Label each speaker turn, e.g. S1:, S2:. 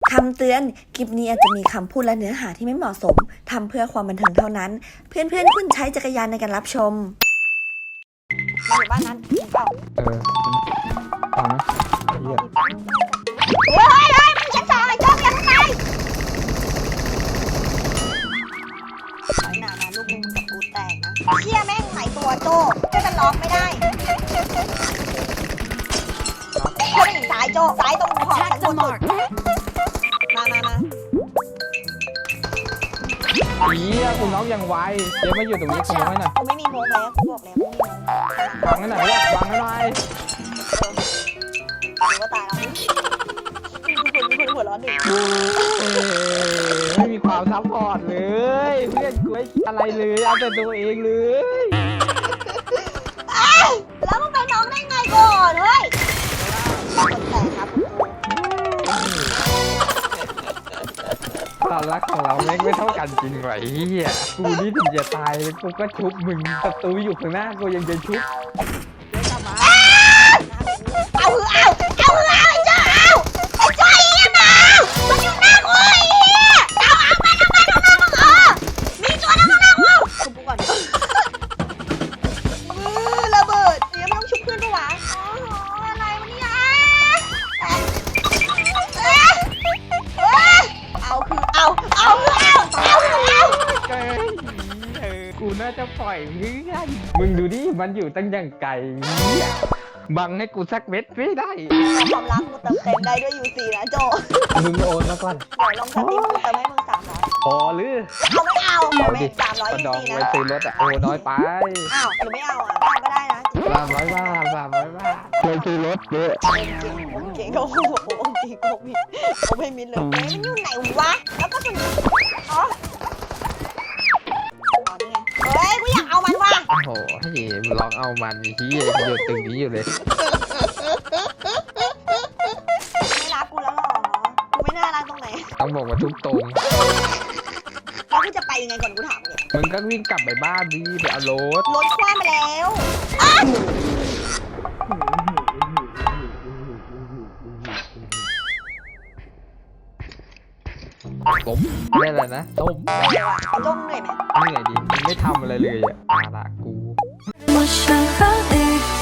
S1: คำเตือนคลิปนี้อาจจะมีคำพูดและเนื้อหาที่ไม่เหมาะสมทำเพื่อความบันเทิงเท่านั้นเพื่อนๆคุณใช้จักรยานในการรับชม
S2: อยู่บ้านนั้นเปล่า
S3: ฟังไหมเหี้ย
S2: เฮ้ยมึงชั้นสองไอ้โจ๊กยังไงหนาลูกมึงกับกูแตกนะเชี่ยแม่งหายตัวโจ๊กจะล็อกไม่ได้โจ๊กอีกสายโจ๊กสายตรงขอบชั้นบนสุดมา
S3: เหี้ยกูน้องยังไวเจ๊มาอยู่ตรงนี้ขโมยหน่อย
S2: กูไม่มีโมงแล้วกูบอกแล้วไม่มีโมง
S3: บังให้หน่อยบังให้หน่อย
S2: กูก็ตายแล้วคุณหัวร้อนดิ
S3: ไม่มีความซัพพอร์ตเลยเพื่อนกูไม่คิดอะไรเลยเอาแต่ตัวเองเลย
S2: แล้วมึงไปน้องได้ไงก่อนเฮ้ยแต่ครับ
S3: ความรักของเราไม่เท่ากันจริงไหวเฮียกูนี่ถึงจะตายกูก็ชุบมึงศัตรูอยู่ข้างหน้ากูยังจะชุบ
S2: เอาไอ้เจ้าอีกมามันอยู่หน้ากูอีเอามามีตัวนั่งหน้ากูชุบกูก่อนระเบิดเนี่ยไม่ต้องชุบเพื่อนด้วยวะอะไรวะเนี่ยเอา
S3: กูน่าจะปล่อยเพื่อนมึงดูดิมันอยู่ตั้งอย่างไกลเนี่ยบังให้กูสักเม็ดไม่ได้
S2: ความรักกูเติมเต็มได้ด้วยยูซีนะโจ
S3: มึงโอนมาก่อน
S2: เดี๋ยวลองสตรีมกูเติมให้มึง300
S3: พอหรือ
S2: ไม่ไม่300
S3: กระดอง
S2: ยูซีนะ
S3: ไว้ซื้อรถอ่ะโอ้น้อยไป
S2: อ้าวหรือไม่เอาอ่ะเอาก็ได้นะ
S3: 300 บาทเคยซื้อรถเยอะ
S2: เก่งโอ้โหเก่งโอ้มิโอ้ไม่มิดเลยมันอยู่ไหนวะแล้วก็สุดอ๋อเฮ้ยกูอยากเอามันว่ะ
S3: โอ้โหให้ลองเอามันที่อยู่ตึงนี้อยู่เลย
S2: ไม่รักกูแล้วหรอกูไม่น่ารักตรงไหน
S3: ต้องบอกว่าทุกตรง
S2: แล้วกูจะไปยังไงก่อนกูถามเลย
S3: มึงก็วิ่งกลับไปบ้านดิไปเอารถ
S2: คว้ามาแล้ว
S3: ต้มเรียกอะไรนะต้ม
S2: จงเหนื่อยไหม
S3: เหนื่อยดิไม่ทำอะไรเลยอ่ะอาละกู